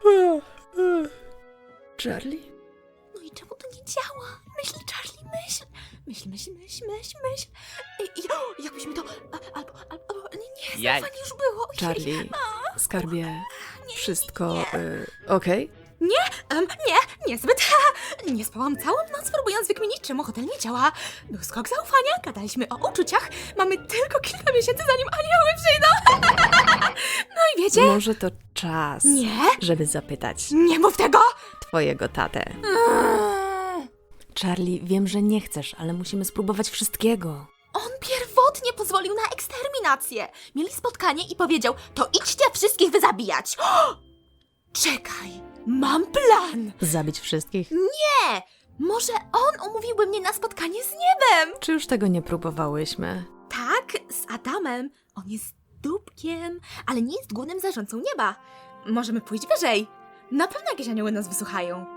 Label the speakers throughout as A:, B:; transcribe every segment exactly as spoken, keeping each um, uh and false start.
A: Charlie?
B: No i czemu to nie działa? Myśl, Charlie, myśl. Myśl, myśl, myśl, myśl, myśl. I, i, o, jakbyśmy to... A, albo, albo... Nie, nie,
C: Jaj.
B: zaufanie już było. Ojej.
A: Charlie,
B: A,
A: skarbie,
B: nie,
A: wszystko
B: nie.
A: y, okej?
B: Um, nie, niezbyt. Nie spałam całą noc, próbując wykminić, czemu hotel nie działa. Był skok zaufania, gadaliśmy o uczuciach. Mamy tylko kilka miesięcy, zanim anioły przyjdą. No i wiecie?
A: Może to czas,
B: Nie,
A: żeby zapytać
B: nie mów tego.
A: twojego tatę.
B: Mm.
A: Charlie, wiem, że nie chcesz, ale musimy spróbować wszystkiego.
B: On pierwotnie pozwolił na eksterminację. Mieli spotkanie i powiedział, to idźcie wszystkich wyzabijać. O! Czekaj, mam plan.
A: Zabić wszystkich?
B: Nie, może on umówiłby mnie na spotkanie z niebem.
A: Czy już tego nie próbowałyśmy?
B: Tak, z Adamem. On jest dupkiem, ale nie jest głównym zarządcą nieba. Możemy pójść wyżej. Na pewno jakieś anioły nas wysłuchają.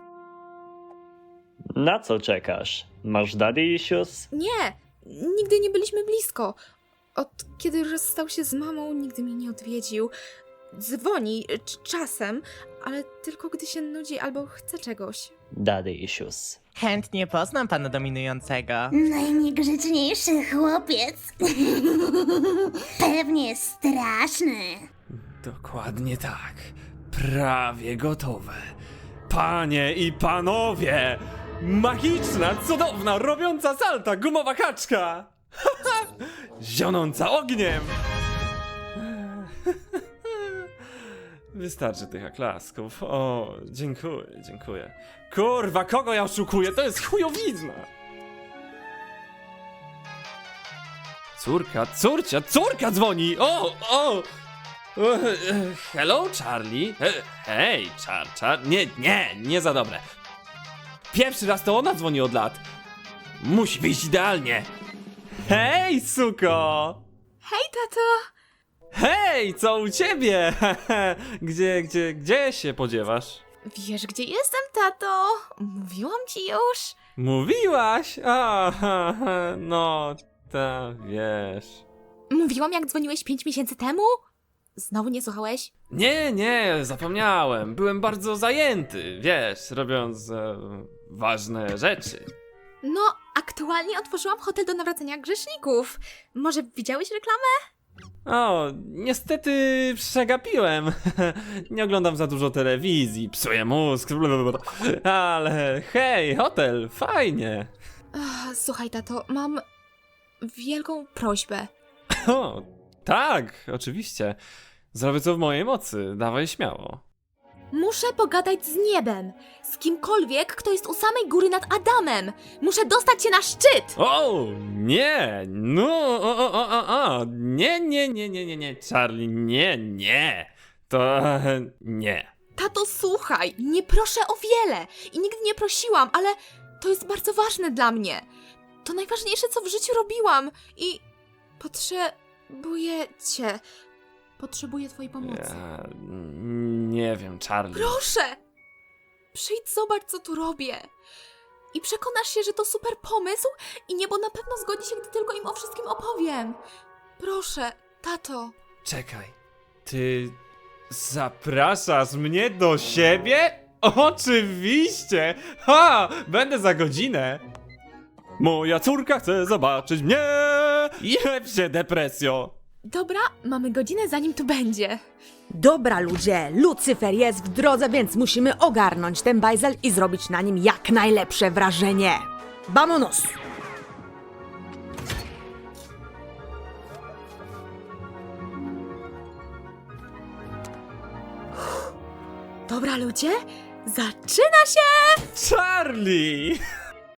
C: Na co czekasz? Masz daddy issues?
B: Nie, nigdy nie byliśmy blisko. Od kiedy rozstał się z mamą, nigdy mnie nie odwiedził. Dzwoni c- czasem, ale tylko gdy się nudzi albo chce czegoś.
C: Daddy issues.
D: Chętnie poznam pana dominującego.
E: Najniegrzeczniejszy chłopiec. Pewnie straszny.
F: Dokładnie tak. Prawie gotowe. Panie i panowie! Magiczna, cudowna, robiąca salta gumowa kaczka! Zionąca ogniem! Wystarczy tych oklasków. O, dziękuję, dziękuję. Kurwa, kogo ja oszukuję? To jest chujowizna! Córka, córcia, córka dzwoni! O, o! E, e, Hello, Charlie? E, Hej, Char, Char... Nie, nie, nie za dobre. Pierwszy raz to ona dzwoni od lat. Musi wyjść idealnie. Hej, suko!
B: Hej, tato!
F: Hej, co u ciebie? Gdzie, gdzie, gdzie się podziewasz?
B: Wiesz, gdzie jestem, tato? Mówiłam ci już.
F: Mówiłaś? A, no, ta, wiesz.
B: Mówiłam, jak dzwoniłeś pięć miesięcy temu? Znowu nie słuchałeś?
F: Nie, nie, zapomniałem. Byłem bardzo zajęty, wiesz, robiąc e, ważne rzeczy.
B: No, aktualnie otworzyłam hotel do nawracania grzeszników. Może widziałeś reklamę?
F: O, niestety przegapiłem. Nie oglądam za dużo telewizji, psuję mózg, blablabla. Ale hej, hotel, fajnie.
B: Ach, słuchaj, tato, mam wielką prośbę.
F: O, tak, oczywiście. Zrobię co w mojej mocy, dawaj śmiało.
B: Muszę pogadać z niebem. Z kimkolwiek, kto jest u samej góry nad Adamem. Muszę dostać się na szczyt.
F: O, nie, no, o, o, o, o, o, nie, nie, nie, nie, nie, nie, Charlie, nie, nie, to nie.
B: Tato, słuchaj, nie proszę o wiele. I nigdy nie prosiłam, ale to jest bardzo ważne dla mnie. To najważniejsze, co w życiu robiłam. I potrzebuję cię. Potrzebuję twojej pomocy.
F: Ja nie wiem, Charlie.
B: Proszę! Przyjdź, zobacz, co tu robię. I przekonasz się, że to super pomysł i niebo na pewno zgodzi się, gdy tylko im o wszystkim opowiem. Proszę, tato.
F: Czekaj, ty zapraszasz mnie do siebie? Oczywiście! Ha! Będę za godzinę! Moja córka chce zobaczyć mnie! Jeb się, depresjo!
B: Dobra, mamy godzinę, zanim tu będzie.
A: Dobra ludzie, Lucyfer jest w drodze, więc musimy ogarnąć ten bajzel i zrobić na nim jak najlepsze wrażenie. Vamonos!
B: Dobra, ludzie, zaczyna się!
F: Charlie!